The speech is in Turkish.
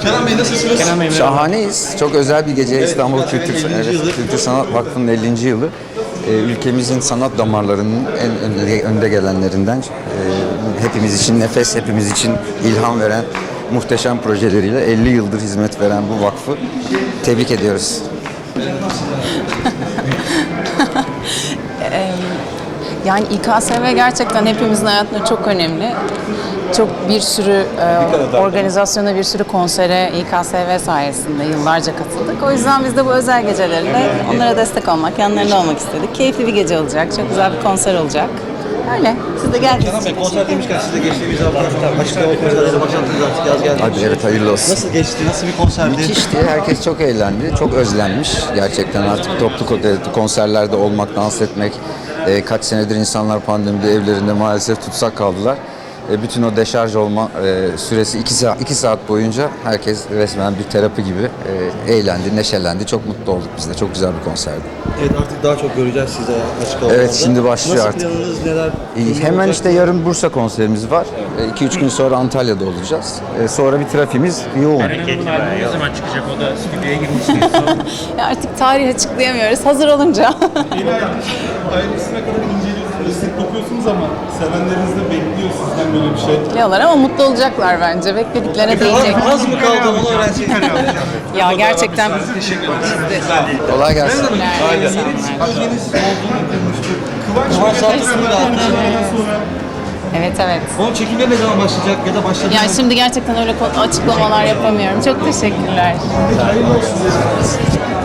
Kenan Bey nasılsınız? Kenan Bey, Şahaneyiz. Çok özel bir gece. İstanbul Kültür Sanat Vakfı'nın 50. yılı. Ülkemizin sanat damarlarının en önde gelenlerinden, hepimiz için nefes, hepimiz için ilham veren muhteşem projeleriyle 50 yıldır hizmet veren bu vakfı tebrik ediyoruz. Yani İKSV gerçekten hepimizin hayatında çok önemli. Çok bir sürü organizasyona, bir sürü konsere İKSV sayesinde yıllarca katıldık. O yüzden biz de bu özel gecelerinde onlara destek olmak, yanlarında olmak istedik. Keyifli bir gece olacak, çok güzel bir konser olacak. Öyle, siz de geldiniz. Kenan Bey, konser demişken siz de geçtiğimiz hafta açık hava konserleriyle başlattınız, artık yaz geldi. Hadi evet, hayırlı olsun. Nasıl geçti, nasıl bir konserdi? Müthişti. Herkes çok eğlendi. Çok özlenmiş. Gerçekten artık toplu konserlerde olmak, dans etmek. Kaç senedir insanlar pandemide evlerinde maalesef tutsak kaldılar. Bütün o deşarj olma süresi 2 saat boyunca herkes resmen bir terapi gibi eğlendi, neşelendi. Çok mutlu olduk biz de. Çok güzel bir konserdi. Evet, artık daha çok göreceğiz size açık havalarda. Evet, şimdi başlıyor nasıl artık. planınız, neler? Hemen işte yarın Bursa konserimiz var. 2-3 gün sonra Antalya'da olacağız. Sonra bir trafiğimiz yoğun. Hareketli albüm ne zaman çıkacak? O da stüdyoya girmişsiniz. Artık tarih açıklayamıyoruz, hazır olunca. Yeni ayrıntısına kadar inceliyorsunuz, sık dokuyorsunuz ama sevenleriniz de bekliyor sizden böyle bir şey. Bekliyorlar ama mutlu olacaklar bence. Beklediklerine değecek. Az mı kaldı onu öğrensek? Ya gerçekten Kolay gelsin. Projeniz olduğunu duymuştuk. Kıvanç Tatlıtuğ'u da almış. sonra Evet. Onun çekimleri ne zaman başlayacak ya da başladı Yani mı? şimdi gerçekten öyle açıklamalar yapamıyorum. Çok teşekkürler. hayırlı olsun.